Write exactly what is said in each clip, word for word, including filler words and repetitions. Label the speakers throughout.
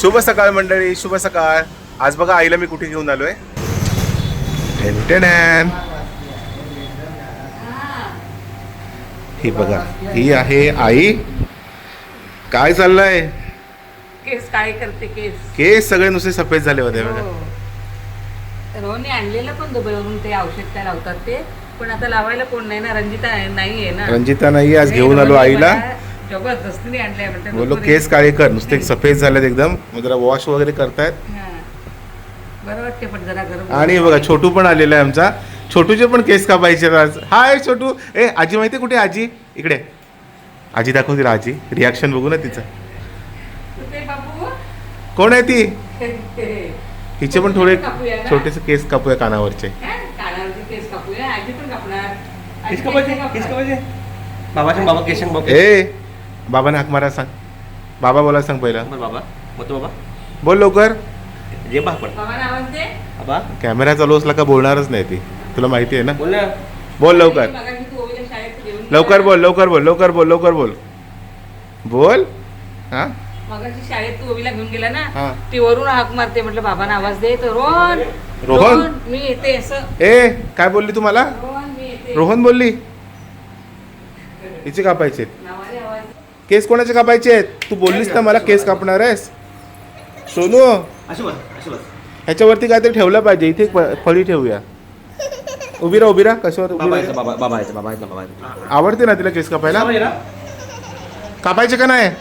Speaker 1: शुभ सकाळ मंडळी, शुभ सकाळ. आज बघा आईला मी कुठे घेऊन आलोय. टेंटेनॅन. ही बघा, ही आहे आई. काय चाललंय?
Speaker 2: केस काय करते केस
Speaker 1: केस सगळे नुसते सफेद झाले होते बघा.
Speaker 2: रोहनने आणलेलं पण दुबईवरून ते औषध काय लावतात ते, पण आता लावायला कोण नाही ना. रंजिता नाहीये ना.
Speaker 1: रंजिता नाही, आज घेऊन आलो आईला.
Speaker 2: जबरदस्तीने आणले म्हणते.
Speaker 1: बोलो केस काळे कर, नुसते सफेद झालेत एकदम. मग जरा वॉश वगैरे करतायत.
Speaker 2: बरं वाटते पण जरा गरम.
Speaker 1: आणि बघा छोटू पण आलेला आहे आमचा. छोटूचे पण केस कापायचे आज. हाय छोटू. ए आजी माहिती कुठे? आजी इकडे. आजी दाखव तिला. आजी रिॲक्शन बघू ना तिचं. कोण आहे ती? हिचे पण थोडे छोटेसे केस कापूया कानावरचे.
Speaker 2: केस कापूया. आजी पण कापणार.
Speaker 3: केस कापायचे, केस कापायचे. बाबाचे बाबा केस बाबा.
Speaker 1: ए बाबाने हाक मारा सांग. बाबा बोला सांग पहिला.
Speaker 3: बाबा मग बाबा
Speaker 1: बोल लवकर.
Speaker 3: जे बा पण
Speaker 2: बाबांना आवाज दे.
Speaker 3: बाबा
Speaker 1: कॅमेरा चालू असला का बोलणारच नाही ती. तुला माहिती आहे ना.
Speaker 3: बोल ना.
Speaker 1: बोल लवकर.
Speaker 2: मगाशी तू ओवीला शाळेत घेऊन
Speaker 1: लवकर बोल, लवकर बोल, लवकर बोल, लवकर बोल. बोल. हा
Speaker 2: मगाशी शाळेत तू ओवीला घेऊन गेला
Speaker 1: हा.
Speaker 2: ना, ती वरून हाक मारते. म्हटलं बाबांना आवाज दे. तर रोहन
Speaker 1: रोहन?
Speaker 2: मी येते असं.
Speaker 1: ए काय बोलली तुम्हाला?
Speaker 2: रोहन मी येते.
Speaker 1: रोहन बोलली. हिचे कापायचे
Speaker 2: नावाने आवाज.
Speaker 1: केस. कोणाचे कापायचे आहेत? तू बोललीस ना मला केस कापणार आहेस. सोनू
Speaker 3: अशी बस, अशी बस.
Speaker 1: ह्याच्यावरती काहीतरी ठेवलं पाहिजे. इथे एक प- फळी ठेवूया. उभी राहा, उभी राहा. कशावर उभी
Speaker 3: बाबा
Speaker 1: राहा?
Speaker 3: यायचं, बाबा बाबा यायचं, बाबा यायचं, बाबा यायचं.
Speaker 1: आवडते ना तिला केस कापायला?
Speaker 3: बाबा ये ना.
Speaker 1: कापायचे का नाही?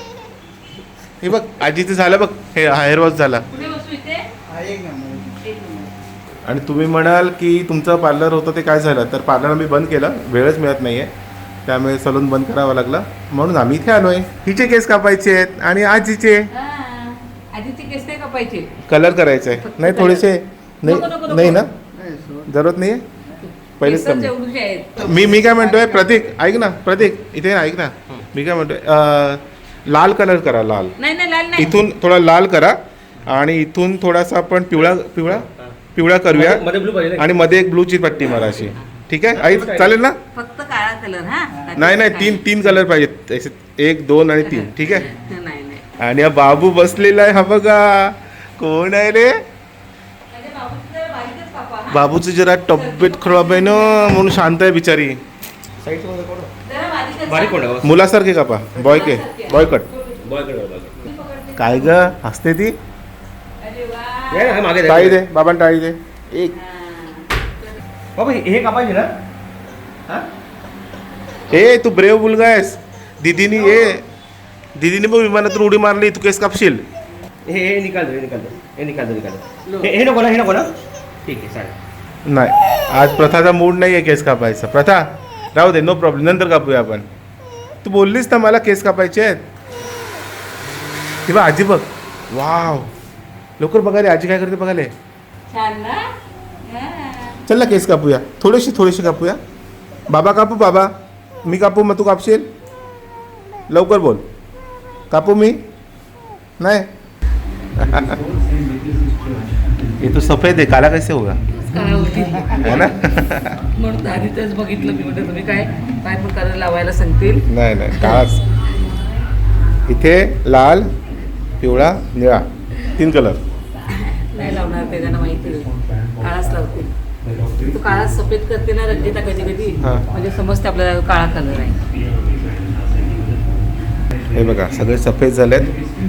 Speaker 1: हे बघ आजीचं झालं बघ. हे हेअर वॉश झाला.
Speaker 2: कुठे बसू इथे? एक नंबर.
Speaker 1: आणि तुम्ही म्हणाल की तुमचं पार्लर होतं ते काय झालं, तर पार्लर मी बंद केलं. वेळच मिळत नाही आहे, त्यामुळे सलून बंद करावं लागलं. म्हणून आम्ही इथे आलो आहे. हिचे केस कापायचे आहेत आणि आजीचे
Speaker 2: हा. आधीचे केस काय कापायचे?
Speaker 1: कलर करायचे आहे. नाही थोडेसे नाही
Speaker 2: नको, नको, नको.
Speaker 1: नाही ना, जरूरत नाही आहे. पहिलेच
Speaker 2: केसच
Speaker 1: कमी.
Speaker 2: एवढूचे आहेत.
Speaker 1: मी मी काय म्हणतोय प्रतीक, ऐक ना प्रतीक, इथे ना ऐक ना. मी काय म्हणतोय अं, लाल कलर करा. लाल
Speaker 2: नाही नाही लाल नाही.
Speaker 1: इथून थोडा लाल करा आणि इथून थोडासा आपण पिवळा पिवळा पिवळा करूया.
Speaker 3: मध्ये ब्लू पाहिजे.
Speaker 1: आणि मध्ये एक ब्लूची पट्टी मारा अशी. ठीक आहे आई, चालेल ना?
Speaker 2: फक्त काळा कलर. हा
Speaker 1: नाही नाही, तीन तीन कलर पाहिजेत असे. एक दोन आणि तीन. ठीक आहे.
Speaker 2: नाही नाही.
Speaker 1: आणि हा बाबू बसलेला आहे. हा बघा कोण आहे रे?
Speaker 2: माझ्या बाबूचं जरा बारीकच कापा, हा.
Speaker 1: बाबूची जरा तब्येत खराब आहे ना, म्हणून शांत आहे बिचारी.
Speaker 3: साईडचं मध्ये कोण?
Speaker 2: जरा बारीकच
Speaker 3: बारीक कोण
Speaker 2: कापा.
Speaker 3: आहे?
Speaker 1: मुलासारखे कापा. बॉय के बॉय कट.
Speaker 3: बॉयकडे बघा, बघा.
Speaker 1: काय ग हसते ती?
Speaker 2: अरे वा.
Speaker 3: ये ना, हे मागे
Speaker 1: टाळी दे बाबांना, टाळी दे. एक
Speaker 2: हा.
Speaker 3: बाबा हे कापायचे ना. हा
Speaker 1: ए तू ब्रेव मुलगा आहेस. दिदीनी ए दिदीने मग विमानातून उडी मारली, तू केस कापशील.
Speaker 3: हे हे निकाल दो, हे निकाल दो, हे निकाल दो, निकाल दो. हे हे नको ना, हे नको ना. ठीक आहे चालेल.
Speaker 1: नाही आज प्रथाचा मूड नाही आहे केस कापायचा. प्रथा राहू दे, नो प्रॉब्लेम, नंतर कापूया आपण. तू बोललीस ना मला केस कापायचे आहेत. हे बघ आजी बघ. वाव, लवकर बघा रे आजी काय करते बघाले.
Speaker 2: छान ना. हा.
Speaker 1: चल ना केस कापूया. थोडीशी थोडीशी कापूया. बाबा कापू? बाबा मी कापू मग तू कापशील? लवकर बोल. कापू मी? नाही. ये तो सफेद है, काला कैसे होगा?
Speaker 2: काळा होती.
Speaker 1: है ना.
Speaker 2: म्हणून आधी तेच बघितलं मी. म्हटलं तुम्ही काय काय पण कलर लावायला सांगतील.
Speaker 1: नाही नाही, काळाच. इथे लाल, पिवळा, निळा, तीन कलर.
Speaker 2: नाही लावणार ते, त्यांना माहिती आहे. काळाच लावते. तू काळा सफेद करते ना रंजिता कधी कधी,
Speaker 1: हा.
Speaker 2: म्हणजे समजते आपल्याला काळा कलर आहे.
Speaker 1: हे बघा सगळे सफेद झालेत.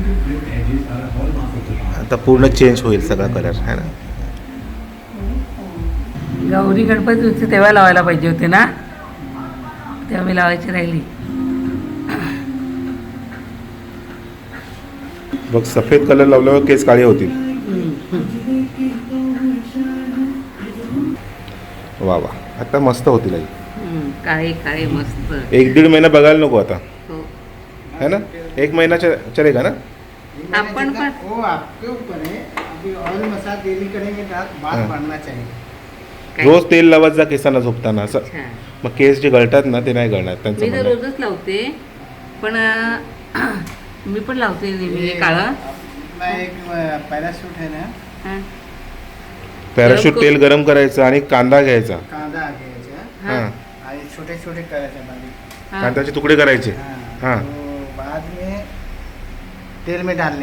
Speaker 1: आता पूर्ण चेंज होईल सगळा कलर, है ना.
Speaker 2: गौरी गणपती होती तेव्हा लावायला पाहिजे होते ना, तेव्हा मी लावायची राहिली.
Speaker 1: बघ सफेद कलर लावल्यावर केस काळे होतील. वा वा, आता मस्त होतील आई.
Speaker 2: हम्म, काळे काळे मस्त.
Speaker 1: एक दीड महिना बघायला नको आता,
Speaker 2: हो.
Speaker 1: है ना. एक महिना च- चलेगा ना.
Speaker 2: आपण पण
Speaker 4: वो आपके ऊपर है. अभी ऑयल मसाज डेली करेंगे तो बाल
Speaker 1: हाँ.
Speaker 4: बढ़ना चाहिए.
Speaker 2: काय?
Speaker 1: रोज तेल लावत जा केसांना झोपताना. असं
Speaker 2: अच्छा.
Speaker 1: मग केस जे गळतात ना ते नाही गळणार त्यांचं
Speaker 2: मी तर
Speaker 1: म्हणणं आहे.
Speaker 2: रोजच लावते, पण अं, मी पण लावते नेहमी काळा.
Speaker 4: मैं एक पैराशूट है ना,
Speaker 2: हा.
Speaker 1: पॅराशूट तेल गरम करायचं आणि कांदा घ्यायचा.
Speaker 4: कांदा घ्यायचा
Speaker 2: हा.
Speaker 1: हां,
Speaker 4: आणि छोटे छोटे करायचे बारीक.
Speaker 2: हा.
Speaker 1: कांद्याचे तुकडे करायचे.
Speaker 4: हाँ.
Speaker 1: हाँ.
Speaker 4: तो बाद में तेल में डालने का.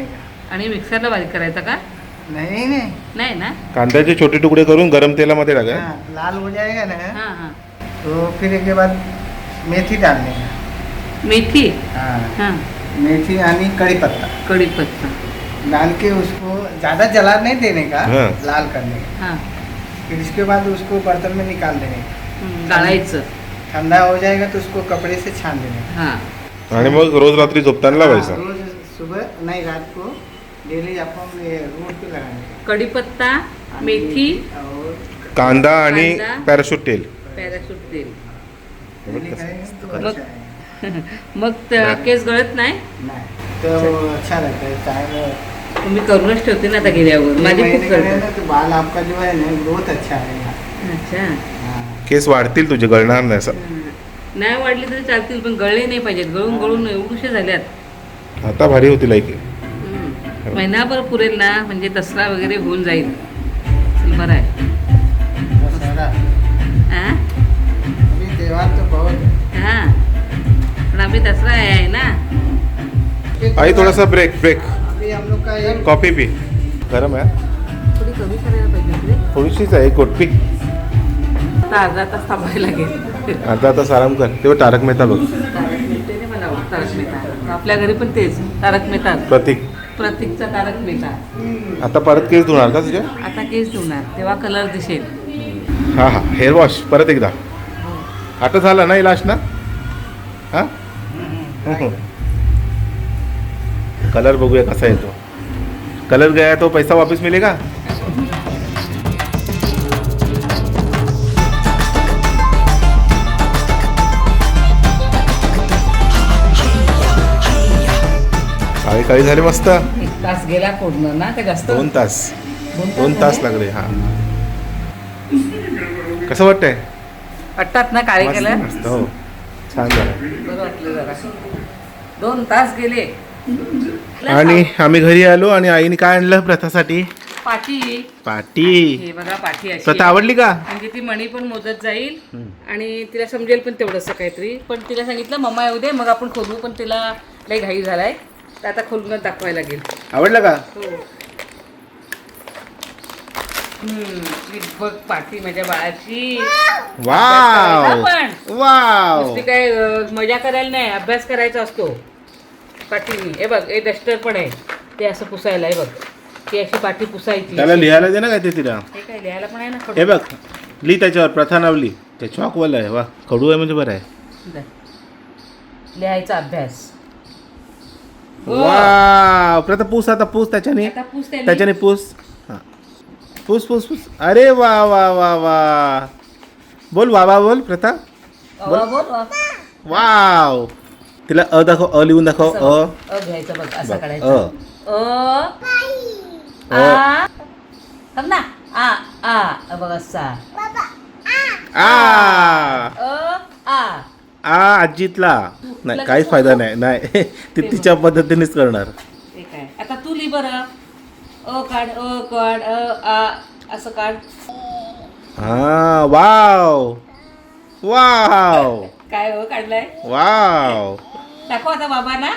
Speaker 2: आणि मिक्सरला बारीक करायचा का?
Speaker 4: नहीं नहीं
Speaker 2: नाही ना.
Speaker 1: कांद्याचे छोटे तुकडे करून गरम तेलामध्ये टाका.
Speaker 4: हाँ, लाल हो जाएगा ना
Speaker 2: हां हां.
Speaker 4: तो फिर इसके बाद मेथी डालने का.
Speaker 2: मेथी.
Speaker 4: हाँ,
Speaker 2: हां.
Speaker 4: मेथी यानी कड़ी पत्ता
Speaker 2: कढीपत्ता.
Speaker 4: डाल के उसको ज़्यादा जला नहीं देने का,
Speaker 1: हाँ।
Speaker 4: लाल करने का.
Speaker 2: हां.
Speaker 4: फिर इसके बाद उसको बर्तन में निकाल देने का.
Speaker 2: हं, गाळायचं.
Speaker 4: ठंडा हो जाएगा तो उसको कपड़े से छान देने का.
Speaker 2: हां.
Speaker 1: आणि मग रोज रात्री झोपताना लावायचा.
Speaker 4: हाँ, रोज सुबह नहीं रात को डेली अपन ये रोड पे लगाने का.
Speaker 2: कढीपत्ता, मेथी,
Speaker 4: और
Speaker 1: कांदा आणि
Speaker 2: कांदा.
Speaker 1: पॅराशूट तेल.
Speaker 2: पॅराशूट तेल.
Speaker 4: डेली करेंगे तो
Speaker 2: मग-
Speaker 4: अच्छा है.
Speaker 2: मग त- केस गळत नाही.
Speaker 4: नहीं तो अच्छा रहता है. चाहे
Speaker 2: तुम्ही करूनच ठेवते ना आता गेल्यावर. माझी खूप
Speaker 4: करें
Speaker 2: करतात.
Speaker 4: ना तो बाल आपका जो है ना ग्रोथ अच्छा है.
Speaker 2: अच्छा.
Speaker 4: हाँ.
Speaker 1: केस वाढतील तुझे, गळणार नाही असं.
Speaker 2: हं. नाही वाढले तरी चालतील पण गळले नाही पाहिजेत. गळून गळून एवढूशे झाल्यात.
Speaker 1: आता भारी होती लाईक.
Speaker 2: हं. महिनाभर पुरेल ना म्हणजे दसरा वगैरे होऊन जाईल. चल, बरं आहे.
Speaker 4: दशहरा
Speaker 2: हां
Speaker 4: अभी त्योहार तो बहुत है.
Speaker 2: हां. पण अभी दसरा आहे ना.
Speaker 1: आई थोडासा ब्रेक ब्रेक.
Speaker 4: अभी हम लोग का एक
Speaker 1: कॉफी पी. गरम आहे.
Speaker 2: थोडी कमी करायला पाहिजे होती रे.
Speaker 1: थोडीशीच आहे, गोट पी.
Speaker 2: आता अर्धा तास थांबायला लागेल.
Speaker 1: अर्धा तास आराम कर. तेव्हा तारक मेहता बघ.
Speaker 2: तारक मेहता नाही मला आवडत. तारक मेहता आपल्या घरी पण तेच तारक मेहता.
Speaker 1: प्रतीक.
Speaker 2: प्रतीकचा तारक मेहता.
Speaker 1: आता परत केस धुणार का तुझ्या?
Speaker 2: आता केस धुणार तेव्हा कलर दिसेल.
Speaker 1: हा हा हेअर वॉश परत एकदा. आता झाला ना इलाज ना? हा कलर बघूया कसा येतो. कलर गया तो पैसा वापस मिलेगा. काळी काळी झाली मस्त.
Speaker 2: एक तास गेला पूर्ण ना का जास्त.
Speaker 1: दोन तास दोन तास लागले. हा कसं वाटतंय?
Speaker 2: वाटतात ना काळे
Speaker 1: मस्त
Speaker 2: कलर.
Speaker 1: मस्त. हो छान झालं.
Speaker 2: बरं वाटलं जरा. दोन तास गेले.
Speaker 1: आणि आम्ही घरी आलो आणि आईने काय आणलं प्रथासाठी?
Speaker 2: पाटी.
Speaker 1: पाटी.
Speaker 2: हे बघा पाटी अशी
Speaker 1: प्रथा आवडली का?
Speaker 2: म्हणजे ती मणी पण मोजत जाईल आणि तिला समजेल पण तेवढंसं काहीतरी. पण तिला सांगितलं मम्मा येऊ दे मग आपण खोलू. पण तिला लई घाई झालाय तर आता खोलूनच दाखवायला लागेल.
Speaker 1: आवडलं का?
Speaker 2: हो. हम्म, ही बघ पाटी माझ्या बाळाची.
Speaker 1: वाव
Speaker 2: पण
Speaker 1: वाव.
Speaker 2: नुसती काय अं, मजा करायला नाही, अभ्यास करायचा असतो पाटीने. हे बघ हे डस्टर पण आहे ते असं पुसायला. हे बघ ती अशी पाटी पुसायची.
Speaker 1: त्याला लिहायला दे ना काय ते तिला.
Speaker 2: हे काय लिहायला पण आहे ना.
Speaker 1: हे बघ लिही त्याच्यावर प्रथा नाव लिही. ते चॉकवाला आहे. वा कडू आहे म्हणजे बरं आहे.
Speaker 2: दे. लिहायचा अभ्यास. हो.
Speaker 1: वाव प्रथा पूस आता पूस त्याच्याने.
Speaker 2: आता पुस त्यांनी.
Speaker 1: त्याच्याने पूस. हा पूस पूस पूस. अरे वा वा वा वा. बोल वा वा बोल प्रथा.
Speaker 2: अवा बोल वा.
Speaker 1: वाव. तिला अ दाखव. अ लिहून दाखव.
Speaker 2: असं
Speaker 1: अ
Speaker 2: बघ. अ घ्यायचं बघ असं
Speaker 1: बघ,
Speaker 2: काढायचं.
Speaker 1: अ.
Speaker 2: अ
Speaker 1: अ.
Speaker 2: आ थांब ना. आ आ अ बघ असा.
Speaker 1: आ
Speaker 2: अ आ
Speaker 1: आ आजीतला. नाही काहीच फायदा नाही. नाही ती तिच्या पद्धतीनेच करणार.
Speaker 2: ते काय आता तू लिही बरं. अ काढ. अ काढ. अ आ असं काढ.
Speaker 1: हा वाव वाव
Speaker 2: काय हो काढलाय.
Speaker 1: वाव.
Speaker 2: दाखव आता बाबा ना.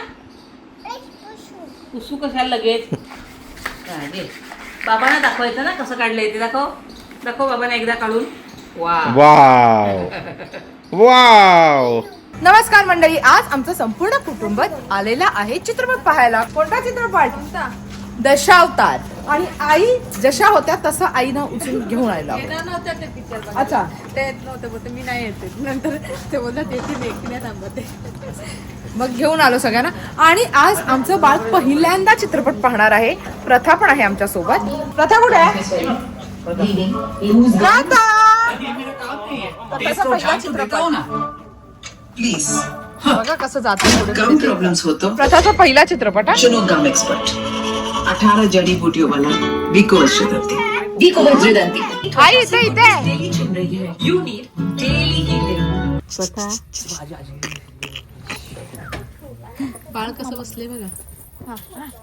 Speaker 2: पुसू कशाला लगेच. हा, घे. बाबांना दाखवायचं ना कसं काढलंय ते. दाखव दाखव बाबांना एकदा काढून. वा
Speaker 1: वाव वाव.
Speaker 5: नमस्कार मंडळी, आज आमचं संपूर्ण कुटुंब आलेला आहे चित्रपट पाहायला. कोणता चित्रपट? दशावतार. आणि आई जशा होत्या तसं आईनं उचलून घेऊन आलेला. अच्छा
Speaker 6: ते येत नव्हते बोलते मी नाही येते. नंतर ते बोलतात येते मी एकटी नाही थांबते.
Speaker 5: मग घेऊन आलो सगळ्यांना. आणि आज आमचं बाळ पहिल्यांदा चित्रपट पाहणार आहे. प्रथा पण आहे आमच्या सोबत. प्रथा कुठे आहे? प्रथा! प्रथाचा पहिला चित्रपट.
Speaker 7: प्लीज
Speaker 5: बघा कसं जातं
Speaker 7: गम प्रॉब्लम्स हो तो
Speaker 5: प्रथाचा पहिला चित्रपट हा.
Speaker 7: चुनो गम एक्सपर्ट. अठारह जड़ी बूटियों वाला विको वज्रदंती. विको वज्रदंती
Speaker 5: आई इथे इथे
Speaker 7: डेली चुन रही है. You need daily healing.
Speaker 2: स्वतः
Speaker 6: बाळ कसं बसले बघा.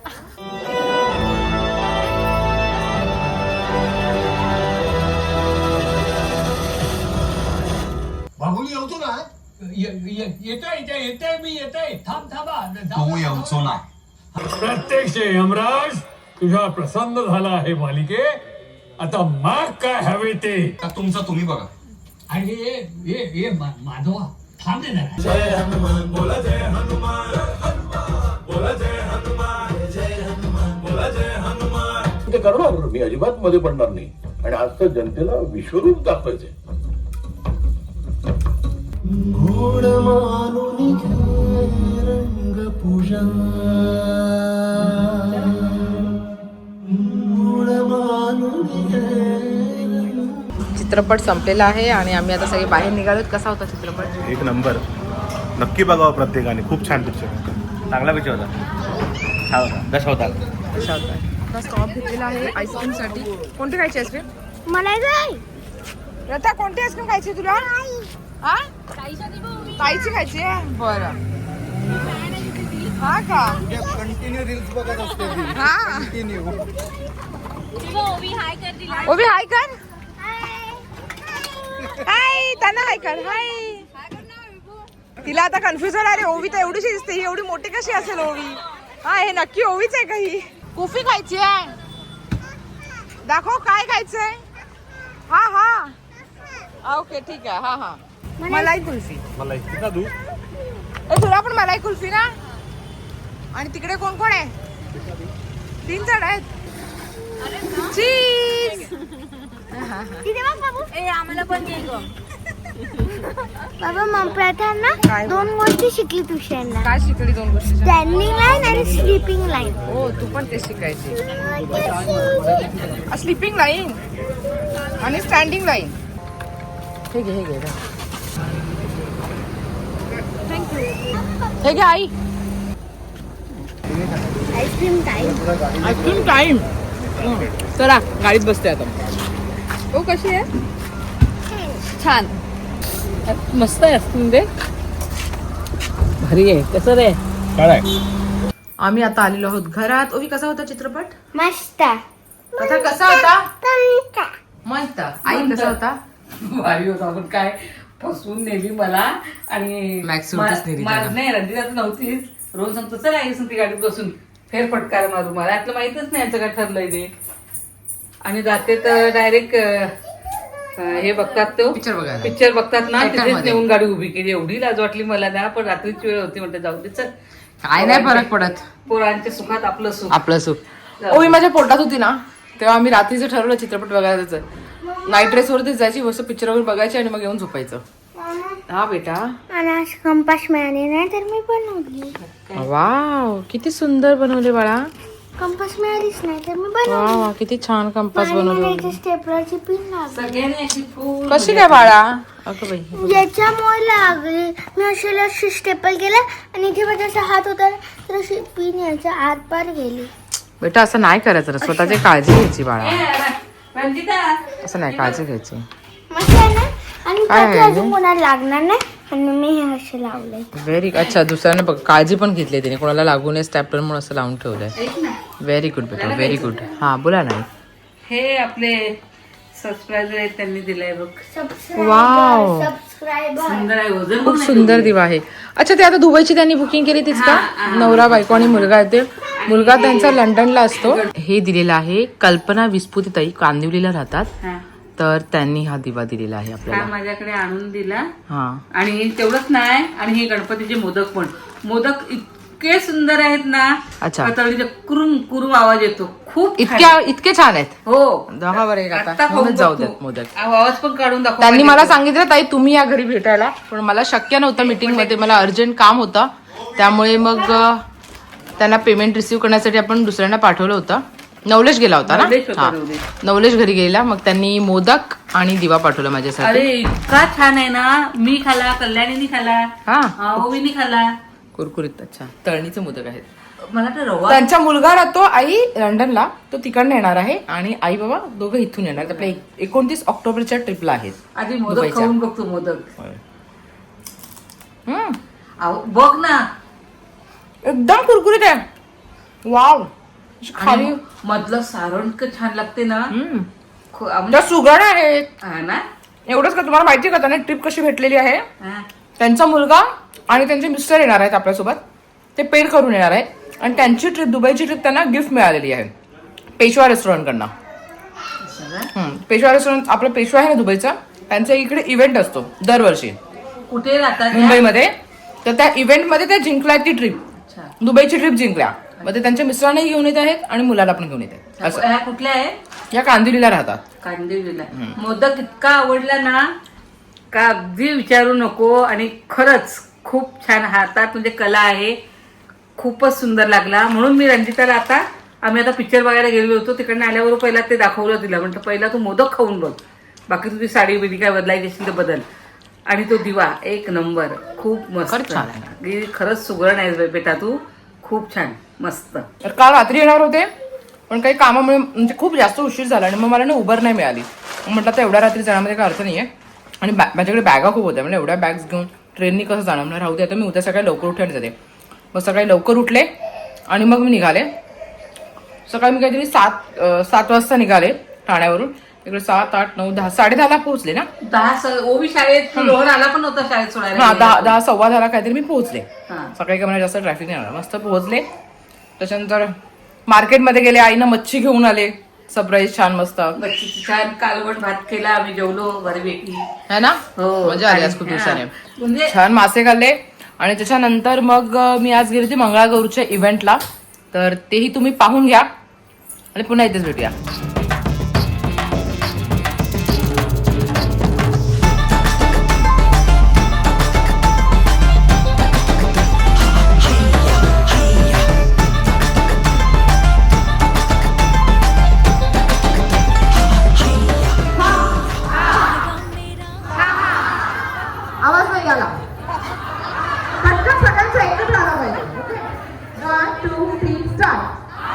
Speaker 8: बाबुली येतो ना. येतोय येतोय मी येतोय. थांब थांबा.
Speaker 9: तू येऊचो ना.
Speaker 8: प्रत्यक्ष यमराज तुझ्या प्रसन्न झाला आहे मालिके. आता माग काय हवे ते
Speaker 9: तुमचं तुम्ही बघा.
Speaker 8: आणि ये ये ये मा- माधवा थांब दे जरा.
Speaker 10: ते करणार मी अजिबात मध्ये पडणार नाही आणि आज तर जनतेला विश्वरूप दाखवायचंय.
Speaker 5: चित्रपट संपलेला आहे आणि आम्ही आता सगळे बाहेर निघालोत. कसा होता चित्रपट?
Speaker 1: एक नंबर. नक्की बघावं प्रत्येकाने. खूप छान पिक्चर.
Speaker 3: चांगला पिक्चर होता. छान होता. दश होता.
Speaker 5: कसा होता? आता स्टॉप घेतलेला आहे आईस्क्रीम साठी. कोणती खायची आईस्क्रीम?
Speaker 6: मला जाय
Speaker 5: रता कोणती आईस्क्रीम खायची तुला? हा ताईची खायची आहे. बरं हा का?
Speaker 4: कंटिन्यू रील्स बघत असते ती.
Speaker 5: हा
Speaker 4: कंटिन्यू.
Speaker 5: ओवी हाय कर. हाय त्यांना हाय कर. हाय. तिला आता कन्फ्युजन आहे रे. ओवी तर एवढीशी दिसते, ही एवढी मोठी कशी असेल ओवी? हा हे नक्की ओवीच आहे का ही? कुल्फी खायची आहे. दाखव काय खायचंय. हा हा ओके ठीक आहे. हा हा मलाई कुल्फी.
Speaker 1: मला इतका दूर.
Speaker 5: ए तुला पण मलाई कुल्फी ना? आणि तिकडे कोण कोण आहे? तीन जण आहेत. चीज.
Speaker 6: ए आम्हाला पण दे ग. बाबा मग प्रथा ना दोन गोष्टी शिकली ट्युशनला.
Speaker 5: काय शिकली दोन गोष्टी?
Speaker 6: स्टँडिंग लाईन आणि स्लीपिंग लाईन.
Speaker 5: हो तू पण ते शिकायची. स्लीपिंग लाईन आणि स्टँडिंग लाईन. हे घे हे घे हे घे आई.
Speaker 6: Ice cream time.
Speaker 5: Ice cream time. चला गाडीत बसते आता. ओ कशी आहे? छान मस्त आहे आईस्क्रीम दे. भारी आहे. कसं रे? आम्ही आता आलेलो आहोत घरात. ओवी कसा होता चित्रपट?
Speaker 6: मस्त.
Speaker 5: कथा कसा होता? मस्त. आई कसा होता?
Speaker 2: भारी होता. आपण काय फसवून नेली मला आणि
Speaker 5: मॅक्स सुटच नेली
Speaker 2: मा-
Speaker 5: त्याला.
Speaker 2: नाही रंजिता तर नव्हतीच. रोज सांगतो चला आई ती गाडीत बसून फेर फटकार मारू. मला यातलं माहितच नाही याचं काय ठरलंय ते. आणि जाते तर डायरेक्ट हे बघतात तो
Speaker 5: पिक्चर बघायला.
Speaker 2: पिक्चर बघतात ना.
Speaker 5: Theater
Speaker 2: तिथेच
Speaker 5: मध्ये.
Speaker 2: नेऊन गाडी उभी केली. एवढी लाज वाटली मला ना. पण रात्रीची वेळ होती म्हणते जाऊ दे चल.
Speaker 5: काय नाही फरक पडत.
Speaker 2: पोरांच्या सुखात आपलं सुख.
Speaker 5: आपलं सुख. ओवी माझ्या पोटात होती ना तेव्हा आम्ही रात्रीचं ठरवलं चित्रपट बघायला जायचं. नाईट ड्रेस वरतीच जायची, मस्त पिक्चर वगैरे बघायची आणि मग येऊन झोपायचं. हा बेटा.
Speaker 6: मला आज कंपास मिळाले नाही तर मी बनवली.
Speaker 5: वाव किती सुंदर बनवले बाळा.
Speaker 6: कंपास मिळालीच नाही तर मी बनवली.
Speaker 5: वा वा किती छान कंपास बनवले.
Speaker 6: स्टेपलरची पिन लागली.
Speaker 2: सगळ्यांनी अशी फुल
Speaker 5: कशी काय बाळा? अगं बाई
Speaker 6: याच्यामुळे लागली. मी अशी अशी स्टेपल केलं आणि इथे माझा असा हात होता ना, तर अशी पिन याच्या आर पार गेली.
Speaker 5: बेटा असं नाही करायचं. स्वतःची काळजी घ्यायची बाळा.
Speaker 2: रंजिता
Speaker 5: असं नाही काळजी घ्यायची.
Speaker 6: मस्त आहे ना. आणि
Speaker 5: काय
Speaker 6: त्याचे
Speaker 5: आहे
Speaker 6: अजून कोणाला लागणार नाही आणि मी हे असे लावले.
Speaker 5: व्हेरी अच्छा. दुसऱ्याने बघ काळजी पण घेतली त्याने. कोणाला लागू नये स्टॅपलर म्हणून असं लावून ठेवलंय. व्हेरी गुड बेटा व्हेरी गुड. हा बोला ना.
Speaker 2: हे आपले सबस्क्रायबर आहेत त्यांनी दिलंय बघ.
Speaker 5: Wow
Speaker 6: subscriber.
Speaker 2: सुंदर आहे. वजन
Speaker 5: खूप सुंदर दिवा आहे. अच्छा ते आता दुबईची त्यांनी बुकिंग केली तीच का? नवरा बायको आणि मुलगा आहे ते. मुलगा त्यांचा लंडनला असतो. हे दिलेलं आहे कल्पना विस्फुतिताई कांदिवलीला राहतात.
Speaker 2: हा.
Speaker 5: तर त्यांनी हा दिवा दिलेला आहे
Speaker 2: हा
Speaker 5: आपल्याला.
Speaker 2: माझ्याकडे आणून दिला.
Speaker 5: हा
Speaker 2: आणि तेवढंच नाही. आणि हे गणपतीचे मोदक पण. मोदक इतके सुंदर आहेत ना.
Speaker 5: अच्छा.
Speaker 2: कतळीचे कुरुम कुरुम आवाज येतो. खूप छान.
Speaker 5: इतक्या इतके छान आहेत.
Speaker 2: हो
Speaker 5: दहा बरं एक आता
Speaker 2: आता
Speaker 5: म्हणून
Speaker 2: खाऊन
Speaker 5: जाऊ
Speaker 2: बघ
Speaker 5: देत
Speaker 2: तू.
Speaker 5: मोदक.
Speaker 2: आवाज पण काढून दाखव.
Speaker 5: त्यांनी मला सांगितलं ताई तुम्ही या घरी भेटायला, पण मला शक्य नव्हतं मीटिंग मध्ये. मला अर्जंट काम होतं त्यामुळे मग अं, त्यांना पेमेंट रिसिव्ह करण्यासाठी आपण दुसऱ्यांना पाठवलं होतं. नवलेश गेला होता ना.
Speaker 2: नवलेश होता,
Speaker 5: हा
Speaker 2: नवलेश.
Speaker 5: नवलेश घरी गेला. मग त्यांनी मोदक आणि दिवा पाठवला माझ्यासाठी.
Speaker 2: अरे इतका छान आहे ना. मी खाला, कल्याणीने खाला,
Speaker 5: हा
Speaker 2: ओवीने खाला.
Speaker 5: कुरकुरीत. अच्छा तळणीचे मोदक आहेत.
Speaker 2: मला तर रवा.
Speaker 5: त्यांचा मुलगा राहतो आई लंडनला. तो तिकडनं येणार आहे आणि आई बाबा दोघं इथून येणार. आपल्या एकोणतीस ऑक्टोबरच्या ट्रिपला आहेत.
Speaker 2: आधी मोदक
Speaker 5: दुबईच्या.
Speaker 2: खाऊन बघतो मोदक.
Speaker 5: हम्म,
Speaker 2: अहो, बघ ना.
Speaker 5: एकदम कुरकुरीत आहे. वाव खाली
Speaker 2: आणि मधलं सारण इतकं छान लागते ना.
Speaker 5: हम्म.
Speaker 2: खू- आम-
Speaker 5: त्या सुगड आहेत.
Speaker 2: हा ना.
Speaker 5: एवढंच का तुम्हाला माहिती का त्यांना ट्रिप कशी भेटलेली आहे?
Speaker 2: हा.
Speaker 5: त्यांचा मुलगा आणि त्यांचे मिस्टर येणार आहेत आपल्यासोबत. ते पेड करून येणार आहेत आणि त्यांची ट्रिप दुबईची ट्रिप त्यांना गिफ्ट मिळालेली आहे पेशवा रेस्टॉरंटकडनं. हम्म, पेशवा रेस्टॉरंट आपलं पेशवा आहे ना दुबईचा, त्यांचा इकडे इव्हेंट असतो दरवर्षी
Speaker 2: कुठे राहतात
Speaker 5: मुंबईमध्ये. तर त्या इव्हेंटमध्ये त्या जिंकल्या ती ट्रिप, दुबईची ट्रिप जिंकल्या. मग ते त्यांच्या मिस्टरांनाही घेऊन येत आहेत आणि मुलाला पण घेऊन येत आहेत. असं
Speaker 2: ह्या कुठल्या आहे?
Speaker 5: या कांदिवलीला राहतात.
Speaker 2: कांदिवलीला. मोदक इतका आवडला ना का अगदी विचारू नको. आणि खरंच खूप छान हातात म्हणजे कला आहे, खूपच सुंदर लागला. म्हणून मी रंजिताला आता आम्ही आता पिक्चर बघायला गेलो होतो, तिकडनं आल्यावर पहिला ते दाखवलं तिला, म्हणतं पहिला तू मोदक खाऊन बघ, बाकी तुझी साडी बिडी काय बदलायची असेल तर बदल. आणि तो दिवा एक नंबर, खूप मस्त
Speaker 5: छान
Speaker 2: आहे. खरंच सुगरण आहे बेटा तू, खूप छान मस्त.
Speaker 5: तर काल रात्री येणार होते पण काही कामामुळे म्हणजे खूप जास्त उशीर झाला आणि मग मला ना उबर नाही मिळाली. म्हटलं तर एवढ्या रात्री जाण्यामध्ये काय अर्थ नाहीये आणि माझ्याकडे बॅगा खूप होत्या, म्हणजे एवढ्या बॅग्स घेऊन ट्रेननी कसं जाणार. म्हणजे राहू दे आता, मी उद्या सकाळी लवकर उठून जाते. मग सकाळी लवकर उठले आणि मग मी निघाले. सकाळी मी काहीतरी सात सात वाजता निघाले ठाण्यावरून. इकडे सात आठ नऊ दहा साडे दहाला पोहोचले ना.
Speaker 2: दहा ओबी शाळेत रोहन आला पण होता शाळेत सोडायला.
Speaker 5: हा दहा दहा सव्वा दहाला काहीतरी मी पोहोचले.
Speaker 2: हा.
Speaker 5: सकाळी काय मला जास्त ट्रॅफिक नाही आला, मस्त पोहोचले. त्याच्यानंतर मार्केटमध्ये गेले, आईनं मच्छी घेऊन आले सरप्राईज छान मस्त.
Speaker 2: मच्छीची छान कालवण भात केला आम्ही, जेवलो बऱ्यापैकी
Speaker 5: है ना.
Speaker 2: हो.
Speaker 5: मजा आली आज खूप दिवसाने.
Speaker 2: म्हणजे
Speaker 5: छान मासे खाल्ले. आणि त्याच्यानंतर मग मी आज गेली होती मंगळागौरच्या इव्हेंटला, तर तेही तुम्ही पाहून घ्या आणि पुन्हा इथेच भेटूया. आवाज नाही आला, पटकन सगळ्यांचा एकत्र आला पाहिजे. Okay, one two three start.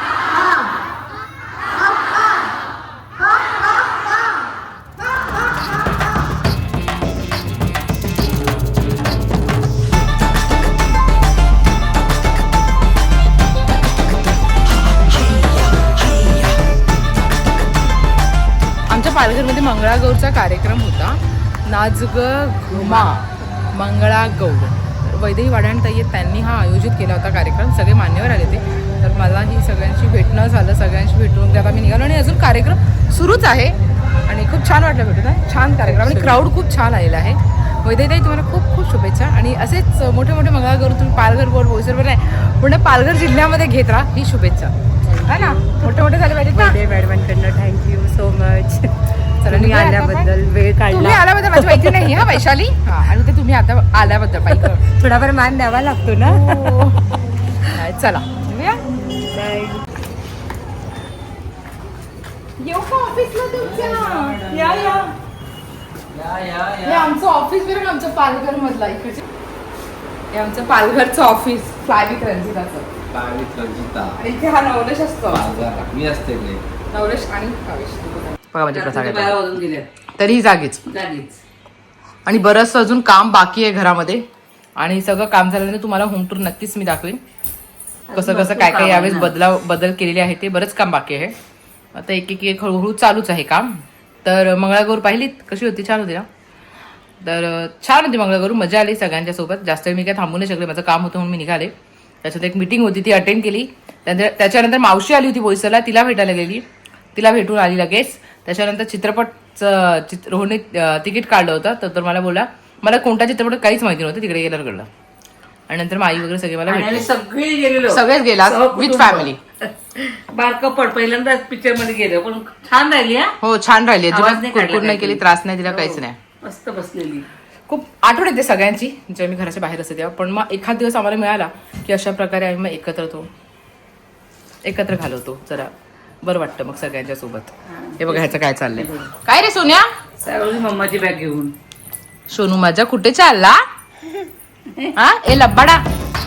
Speaker 5: आमच्या पालघरमध्ये मंगळागौरचा कार्यक्रम होता. नाचग घुमा मंगळागौर. वैदेही वाढाण ताई त्यांनी हा आयोजित केला होता कार्यक्रम. सगळे मान्यवर आले ते. तर मला ही सगळ्यांशी भेटणं झालं, सगळ्यांशी भेटून आता मी निघालो आणि अजून कार्यक्रम सुरूच आहे आणि खूप छान वाटलं भेटून. छान कार्यक्रम आणि क्राऊड खूप छान आलेला आहे. वैदेही ताई तुम्हाला खूप खूप शुभेच्छा आणि असेच मोठे मोठे मंगळागौर तुम्ही पालघर बोर्ड बोईसरवर नाही पुणे पालघर जिल्ह्यामध्ये घेत राहा, ही शुभेच्छा है ना. मोठे मोठे झाले पाहिजेत ना.
Speaker 9: मॅडमांकडनं थँक्यू सो मच.
Speaker 5: तुम्ही
Speaker 9: आल्याबद्दल वेळ
Speaker 5: तुम्ही
Speaker 9: काढला,
Speaker 5: आल्याबद्दल माझी माहिती नाही हा वैशाली. हा आणि ते तुम्ही आता आल्याबद्दल पाहिजे
Speaker 9: थोडाफार मान द्यावा लागतो ना.
Speaker 5: नाही, चला निघूया. येऊ का ऑफिसला तुमच्या? या या हे आमचं ऑफिस बरं, आमचं पालघर मधला इकडचे. हे आमचं पालघरचं ऑफिस फ्लाय विथ रंजिताचं. आणि इथे हा नवलेश असतो,
Speaker 3: मी असते
Speaker 5: नवलेश आणि कावेश. बघा म्हणजे
Speaker 2: रात्री बारा वाजून गेले
Speaker 5: तरी जागीच.
Speaker 2: जागीच.
Speaker 5: आणि बरंचसं अजून काम बाकी आहे घरामध्ये आणि सगळं काम झाल्यानंतर तुम्हाला होम टूर नक्कीच मी दाखवेन. कसं कसं काय काय यावेळेस बदला बदल केलेले आहे ते. बरंच काम बाकी आहे. आता एक एक एक हळूहळू चालूच आहे काम. तर मंगळागौर पाहिलीत कशी होती? छान होती ना. तर छान होती मंगळागौर, मजा आली सगळ्यांच्या सोबत. जास्त मी काय थांबू नाही शकले, माझं काम होतं म्हणून मी निघाले. त्याच्यात एक मिटिंग होती ती अटेंड केली. त्याच्यानंतर मावशी आली होती बोईसरला, तिला भेटायला गेली, तिला भेटून आली लगेच. त्याच्यानंतर चित्रपटचं चित्र रोहनने तिकीट काढलं होतं, तर तर मला बोला मला कोणता चित्रपट काहीच माहिती नव्हतं, तिकडे गेल्यावर कळलं. आणि नंतर आई वगैरे सगळे मला भेटले,
Speaker 2: सगळे गेलेलो,
Speaker 5: सगळेच गेला विथ फॅमिली.
Speaker 2: बारकं पड पहिल्यांदा पिक्चर मध्ये गेलो, पण छान राहिली. हो
Speaker 5: छान राहिली, कुरकुर नाही केली, त्रास नाही दिला, काहीच नाही.
Speaker 2: मस्त बसलेली.
Speaker 5: खूप आठवण येते सगळ्यांची जेव्हा मी घराच्या बाहेर असते तेव्हा. पण मग एखाद दिवस आम्हाला मिळाला की अशा प्रकारे आम्ही मग एकत्र होतो, एकत्र घालवतो, जरा बरं वाटतं मग सगळ्यांच्या सोबत. हे बघा ह्याचं काय चाललंय. काय रे सोन्या?
Speaker 2: मम्माची बॅग घेऊन.
Speaker 5: सोनू माझा कुठे चालला? हा ए लब्बाडा.